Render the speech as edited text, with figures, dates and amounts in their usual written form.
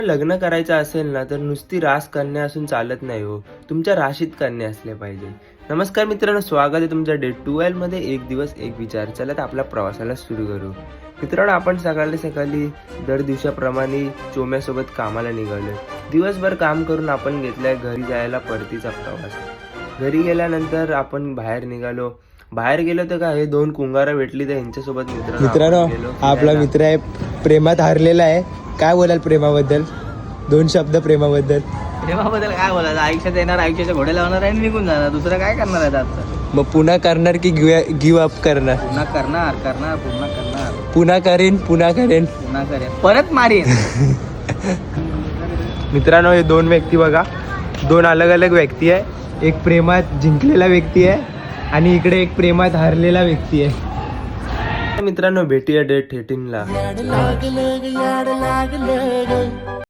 लग्न करायचं असेल ना तर नुसती रास कन्या असून चालत नाही हो, तुमच्या राशीत कन्या असले पाहिजे. नमस्कार मित्रांनो, स्वागत आहे तुमच्या डे 12 मध्ये एक दिवस एक विचार. चला तर आपल्या प्रवासाला सुरू करू. मित्रांनो, आपण सकाळी दर दिवसाप्रमाणे चोम्यासोबत कामाला निघालोय. दिवसभर काम करून आपण घेतलाय घरी जायला परतीचा प्रवास. घरी गेल्यानंतर आपण बाहेर गेलो तर काय, हे दोन कुंगारा भेटली तर यांच्यासोबत मित्रांनो आपला मित्र आहे, प्रेमात हारलेला आहे. काय बोलाल प्रेमाबद्दल? दोन शब्द प्रेमाबद्दल. प्रेमाबद्दल काय बोलायचं? आयुष्यात येणार, आयुष्याच्या घोड्या लावणार आणि निघून जाणार. दुसरं काय करणार आहे आता? मग पुन्हा करणार की गिव्ह अप करणार? पुन्हा करणार. पुन्हा करेन. परत मारेन. मित्रांनो, हे दोन व्यक्ती बघा, दोन अलग अलग व्यक्ती आहे. एक प्रेमात जिंकलेला व्यक्ती आहे आणि इकडे एक प्रेमात हारलेला व्यक्ती आहे. मित्रांनो, भेटूया डे 13 ला.